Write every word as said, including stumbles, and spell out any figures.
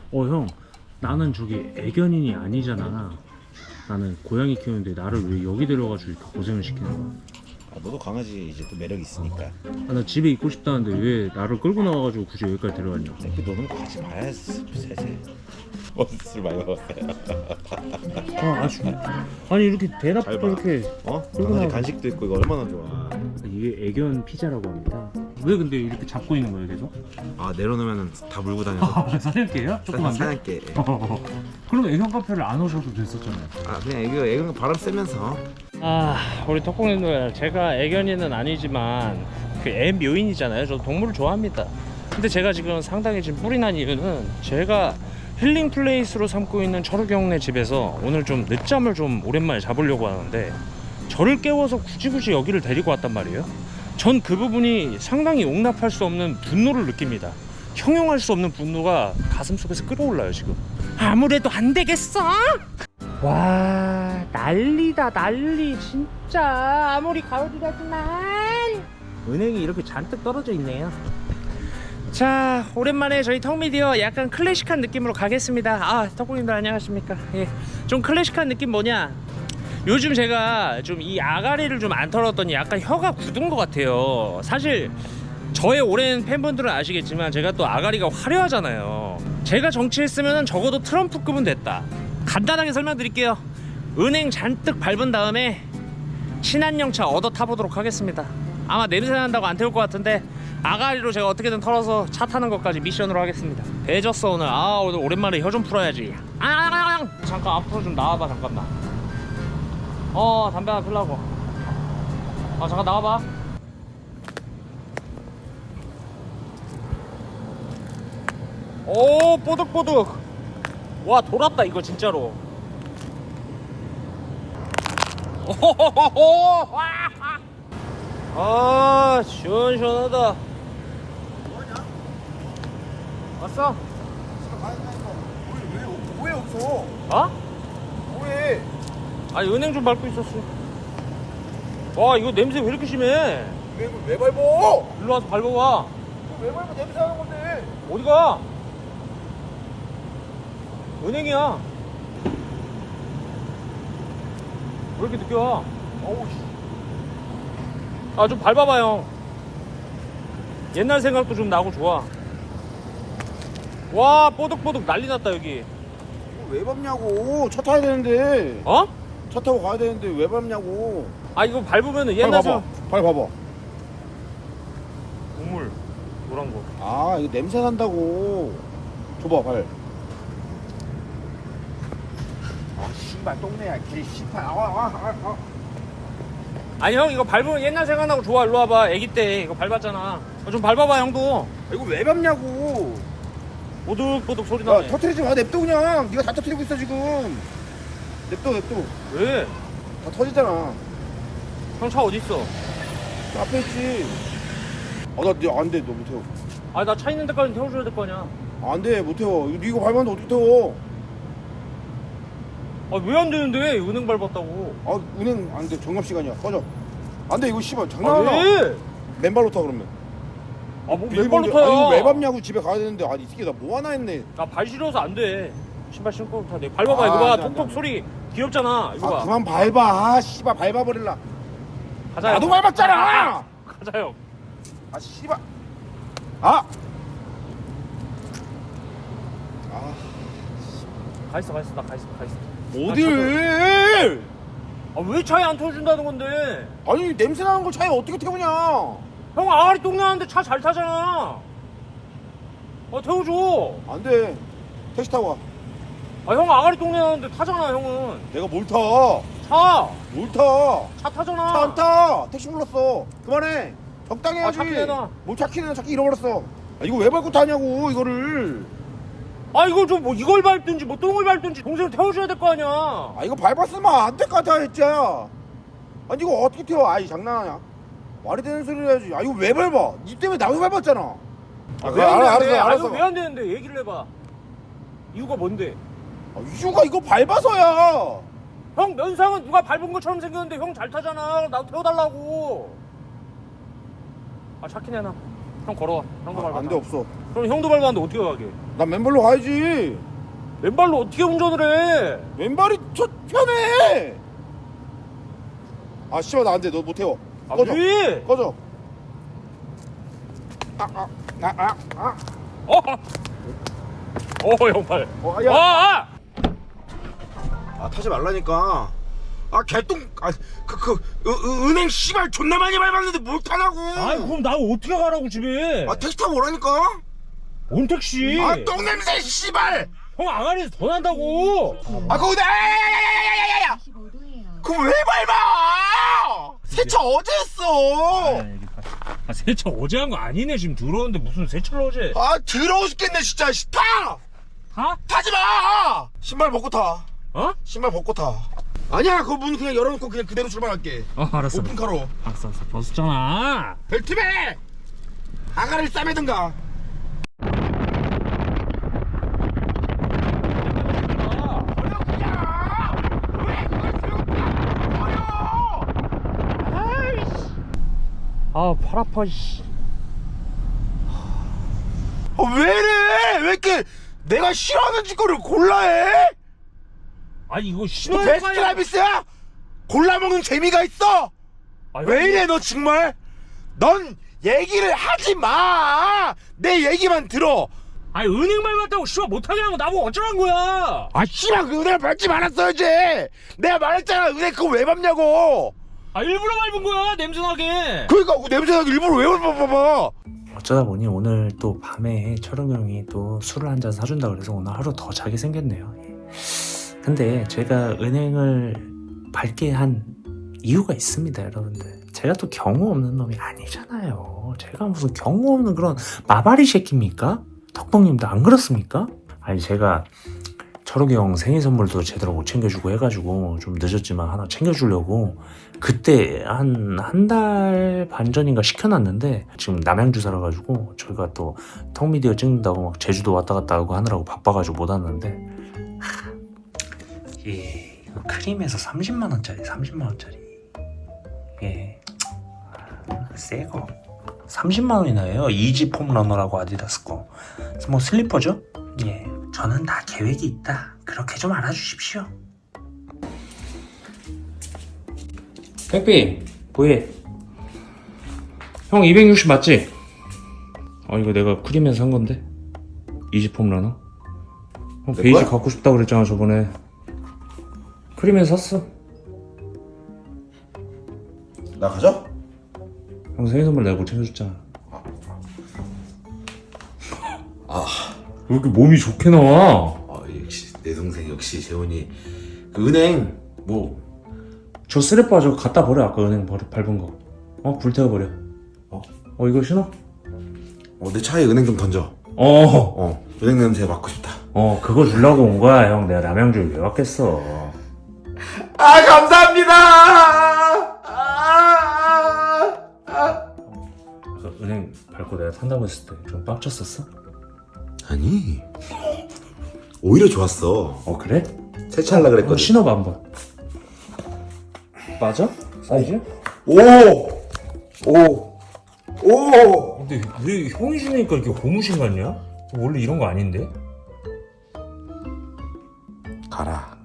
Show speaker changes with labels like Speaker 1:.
Speaker 1: 어 형, 나는 저기 애견인이 아니잖아. 나는 고양이 키우는데 나를 왜 여기 데려가지고 이렇게 고생을 시키는 거야?
Speaker 2: 아, 너도 강아지 이제 또 매력 있으니까.
Speaker 1: 아, 나 집에 있고 싶다는데 왜 나를 끌고 나와가지고 굳이 여기까지 데려왔냐?
Speaker 2: 새끼 너는 같이 봐야지. 세세. 멋술 많이 먹었어요.
Speaker 1: 아, 아쉬 아니 이렇게 대낮부터
Speaker 2: 잘 봐.
Speaker 1: 이렇게
Speaker 2: 어?
Speaker 1: 끌고
Speaker 2: 강아지
Speaker 1: 나와.
Speaker 2: 간식도 있고 이거 얼마나 좋아.
Speaker 1: 이게 애견 피자라고 합니다. 왜 근데 이렇게 잡고 있는 거예요 계속?
Speaker 2: 아 내려놓으면 다 물고 다녀서.
Speaker 1: 아, 사냥개야? 조그만데?
Speaker 2: 사냥개.
Speaker 1: 그럼 애견 카페를 안 오셔도 됐었잖아요.
Speaker 2: 아 그냥 애교 애교 바람 쐬면서.
Speaker 3: 아 우리 덕공님들, 제가 애견인은 아니지만 그 애 묘인이잖아요. 저 동물을 좋아합니다. 근데 제가 지금 상당히 지금 뿔이 난 이유는 제가 힐링 플레이스로 삼고 있는 철욱이 형네 집에서 오늘 좀 늦잠을 좀 오랜만에 자보려고 하는데 저를 깨워서 굳이 굳이 여기를 데리고 왔단 말이에요. 전 그 부분이 상당히 용납할 수 없는 분노를 느낍니다. 형용할 수 없는 분노가 가슴속에서 끌어올라요 지금. 아무래도 안 되겠어. 와 난리다 난리 진짜. 아무리 가을이라지만 은행이 이렇게 잔뜩 떨어져 있네요. 자 오랜만에 저희 턱미디어 약간 클래식한 느낌으로 가겠습니다. 아 턱구님들 안녕하십니까. 예, 좀 클래식한 느낌 뭐냐, 요즘 제가 좀 이 아가리를 좀 안 털었더니 약간 혀가 굳은 것 같아요. 사실 저의 오랜 팬분들은 아시겠지만 제가 또 아가리가 화려하잖아요. 제가 정치했으면 적어도 트럼프급은 됐다. 간단하게 설명드릴게요. 은행 잔뜩 밟은 다음에 신한영차 얻어 타보도록 하겠습니다. 아마 냄새 난다고 안 태울 것 같은데 아가리로 제가 어떻게든 털어서 차 타는 것까지 미션으로 하겠습니다. 배졌어 오늘. 아 오늘 오랜만에 혀 좀 풀어야지. 아 잠깐 앞으로 좀 나와봐 잠깐만. 어 담배 하나 피려고. 아 잠깐 나와봐. 오 뽀득뽀득. 와 돌았다 이거 진짜로. 오호호호. 아 시원시원하다.
Speaker 4: 뭐하냐?
Speaker 3: 왔어?
Speaker 4: 집에 가야 되니까 왜, 왜, 왜 없어?
Speaker 3: 어?
Speaker 4: 왜?
Speaker 3: 아니 은행 좀 밟고 있었어. 와 이거 냄새 왜 이렇게 심해?
Speaker 4: 왜, 왜 밟어?
Speaker 3: 일로 와서 밟아봐.
Speaker 4: 왜 밟어? 냄새 나는 건데.
Speaker 3: 어디가? 은행이야. 왜 이렇게 늦게 와?
Speaker 4: 어우, 씨.
Speaker 3: 아 좀 밟아봐 형. 옛날 생각도 좀 나고 좋아. 와 뽀득뽀득 난리 났다 여기.
Speaker 4: 이거 왜 밟냐고. 차 타야 되는데.
Speaker 3: 어?
Speaker 4: 차 타고 가야 되는데 왜 밟냐고.
Speaker 3: 아 이거 밟으면은
Speaker 4: 발
Speaker 3: 옛날
Speaker 4: 봐봐.
Speaker 3: 생각.
Speaker 4: 발 봐봐.
Speaker 3: 우물 노란 거.
Speaker 4: 아, 이거 냄새 난다고. 줘봐, 발. 아, 씨발, 똥내야. 개 씨발. 아, 아, 아, 아.
Speaker 3: 아니 형 이거 밟으면 옛날 생각나고 좋아. 일로 와봐. 애기 때 이거 밟았잖아. 어, 좀 밟아봐 형도.
Speaker 4: 아, 이거 왜 밟냐고.
Speaker 3: 뽀득뽀득 소리
Speaker 4: 야,
Speaker 3: 나네.
Speaker 4: 터트리지 마. 냅둬, 그냥. 네가 다 터트리고 있어, 지금. 냅둬, 냅둬.
Speaker 3: 왜?
Speaker 4: 다 터지잖아.
Speaker 3: 형 차 어디 있어?
Speaker 4: 저 앞에 있지. 아, 나, 네, 안 돼. 너 못 태워.
Speaker 3: 아니 나 차 있는 데까지 태워줘야 될 거 아니야.
Speaker 4: 안 돼, 못 태워. 이거 이거 밟았는데 어떻게 태워?
Speaker 3: 아 왜 안 되는데? 은행 밟았다고.
Speaker 4: 아, 은행 안 돼. 정갑 시간이야. 꺼져. 안 돼, 이거 씨발
Speaker 3: 아
Speaker 4: 장난하나?
Speaker 3: 왜?
Speaker 4: 맨발로 타 그러면.
Speaker 3: 아뭐
Speaker 4: 비밀번호-
Speaker 3: 맨발로 타야.
Speaker 4: 아, 이거 왜 밟냐고 집에 가야 되는데. 아니, 이 새끼 나 뭐 하나 했네.
Speaker 3: 나 발 시려서 안 돼. 신발 신고 타. 내 밟아봐
Speaker 4: 아,
Speaker 3: 이거 봐.
Speaker 4: 안 돼, 안 돼,
Speaker 3: 톡톡
Speaker 4: 안 돼.
Speaker 3: 소리 귀엽잖아. 이거
Speaker 4: 아,
Speaker 3: 봐.
Speaker 4: 그만 밟아. 아, 씨발 밟아버릴라.
Speaker 3: 가자.
Speaker 4: 나도
Speaker 3: 형.
Speaker 4: 밟았잖아.
Speaker 3: 가자 형.
Speaker 4: 아, 씨발. 아. 아,
Speaker 3: 가 있어 가 있어 나 가 있어 가 있어.
Speaker 4: 어딜?
Speaker 3: 아왜 차에 안 태워준다는 건데?
Speaker 4: 아니, 냄새 나는 걸 차에 어떻게 태우냐?
Speaker 3: 형 아가리 똥 나는데 차 잘 타잖아. 아 태워줘.
Speaker 4: 안 돼. 택시 타고 가.
Speaker 3: 아 형 아가리 똥 나는데 타잖아 형은.
Speaker 4: 내가 뭘 타?
Speaker 3: 차.
Speaker 4: 뭘 타?
Speaker 3: 차 타잖아.
Speaker 4: 차 안 타. 택시 불렀어. 그만해. 적당히 해야지.
Speaker 3: 아, 찾기 내놔.
Speaker 4: 뭘 찾기 내놔. 찾기 잃어버렸어. 아, 이거 왜 밟고 타냐고 이거를.
Speaker 3: 아 이거 좀 뭐 이걸 밟든지 뭐 똥을 밟든지 동생 태워줘야 될 거 아니야.
Speaker 4: 아, 이거 밟았으면 안 될 것 같아 했지. 아니, 이거 어떻게 태워? 아이, 장난하냐? 말이 되는 소리를 해야지. 아, 이거 왜 밟아? 니 때문에 나도 밟았잖아. 아, 그래, 알아, 알았어, 알았어.
Speaker 3: 왜안 되는데 얘기를 해봐. 이유가 뭔데?
Speaker 4: 아, 이유가 이거 밟아서야.
Speaker 3: 형 면상은 누가 밟은 것처럼 생겼는데 형 잘 타잖아. 나도 태워달라고. 아 찾긴 해놔. 형 걸어와. 형도 밟아.
Speaker 4: 안돼 없어.
Speaker 3: 그럼 형도 밟았는데 어떻게 가게?
Speaker 4: 난 맨발로 가야지.
Speaker 3: 맨발로 어떻게 운전을 해?
Speaker 4: 왼발이 저 편해. 아 씨발 나 안돼. 너 못 태워.
Speaker 3: 아,
Speaker 4: 꺼져.
Speaker 3: 왜?
Speaker 4: 꺼져. 아아아아 아, 아, 아.
Speaker 3: 어? 어, 형발.
Speaker 4: 어,
Speaker 3: 아,
Speaker 4: 야.
Speaker 3: 아!
Speaker 4: 아 타지 말라니까. 아 개똥. 아그그 그, 은행 씨발 존나 많이 밟았는데 못 타라고.
Speaker 3: 아이, 그럼 나 어떻게 가라고 집에?
Speaker 4: 아 택시 타고 오라니까.
Speaker 3: 뭔 택시?
Speaker 4: 아 똥냄새 씨발.
Speaker 3: 형 아가리에서 더 난다고.
Speaker 4: 아 거기다. 야야야야야야야. 그거 왜 밟아? 세차 어제 했어.
Speaker 3: 아, 세차 어제 한 거 아니네. 지금 들어오는데 무슨 세차를 어제?
Speaker 4: 아 더러워 죽겠네 진짜. 씨, 타.
Speaker 3: 타?
Speaker 4: 타지 마. 신발 벗고 타.
Speaker 3: 어?
Speaker 4: 신발 벗고 타. 아니야 그거 문 그냥 열어놓고 그냥 그대로 출발할게.
Speaker 3: 어, 알았어.
Speaker 4: 오픈카로.
Speaker 3: 알았어, 알았어. 벗었잖아.
Speaker 4: 벨트맨. 아가를 싸매든가. 버려 그냥. 왜 그걸 들고 타? 버려. 아이씨.
Speaker 3: 아, 팔 아파, 씨.
Speaker 4: 아, 왜 이래? 왜 이렇게 내가 싫어하는 짓거리를 골라 해?
Speaker 3: 아니, 이거
Speaker 4: 너
Speaker 3: 신호에
Speaker 4: 베스트 라비스야? 골라 먹는 재미가 있어?
Speaker 3: 아,
Speaker 4: 왜 이래 너 정말? 넌 얘기를 하지 마. 내 얘기만 들어.
Speaker 3: 아니, 은행 밟았다고 씨발 못하게 하고 나보고 어쩌란 거야?
Speaker 4: 아 씨발 그 은행 밟지 말았어야지. 내가 말했잖아 은행 그거 왜 밟냐고.
Speaker 3: 아, 일부러 밟은 거야, 냄새나게.
Speaker 4: 그러니까 그 냄새나게 일부러 왜 밟아봐.
Speaker 1: 어쩌다 보니 오늘 또 밤에 철웅 형이 또 술을 한 잔 사준다 그래서 오늘 하루 더 자게 생겼네요. 근데 제가 은행을 밟게 한 이유가 있습니다, 여러분들. 제가 또 경우 없는 놈이 아니잖아요. 제가 무슨 경우 없는 그런 마바리 새끼입니까? 덕봉님도 안 그렇습니까? 아니 제가 철욱이 형 생일 선물도 제대로 못 챙겨주고 해가지고 좀 늦었지만 하나 챙겨주려고 그때 한 한 달 반 전인가 시켜놨는데 지금 남양주 살아가지고 저희가 또 턱미디어 찍는다고 막 제주도 왔다 갔다 하고 하느라고 바빠가지고 못 왔는데 하, 예, 이거 크림에서 삼십만 원짜리 삼십만 원짜리 예, 새거 삼십만 원이나 해요. 이지 폼러너라고 아디다스 거. 그래서 뭐 슬리퍼죠? 예, 저는 다 계획이 있다. 그렇게 좀 알아주십시오. 택비 뭐해? 형 이백육십 맞지? 아 이거 내가 크림에서 산 건데 이지 폼러너. 형 베이지
Speaker 4: 거야?
Speaker 1: 갖고 싶다 그랬잖아 저번에. 크림에서 샀어.
Speaker 4: 나 가자.
Speaker 1: 형 생일 선물 내가 못 챙겨줬잖아.
Speaker 2: 아,
Speaker 1: 왜 이렇게 몸이 좋게 나와?
Speaker 2: 아 역시 내 동생 역시 재훈이 그 은행 뭐
Speaker 1: 저 쓰레빠 저거 갖다 버려. 아까 은행 버려, 밟은 거. 어? 불태워버려.
Speaker 2: 어?
Speaker 1: 어 이거 신어?
Speaker 2: 어, 내 차에 은행 좀 던져.
Speaker 1: 어.
Speaker 2: 어, 은행 냄새 맡고 싶다.
Speaker 1: 어 그거 주려고 온 거야 형. 내가 남양주에 왜 왔겠어.
Speaker 2: 아 감사합니다. 아, 아.
Speaker 1: 그 은행 밟고 내가 탄다고 했을 때 좀 빡쳤었어?
Speaker 2: 아니 오히려 좋았어.
Speaker 1: 어 그래?
Speaker 2: 세차하려
Speaker 1: 어,
Speaker 2: 그랬거든.
Speaker 1: 신어봐 한번. 맞아? 사이즈?
Speaker 2: 오, 오, 오.
Speaker 1: 근데 왜 형이 신으니까 이렇게 고무신 같냐? 원래 이런 거 아닌데?
Speaker 2: 가라.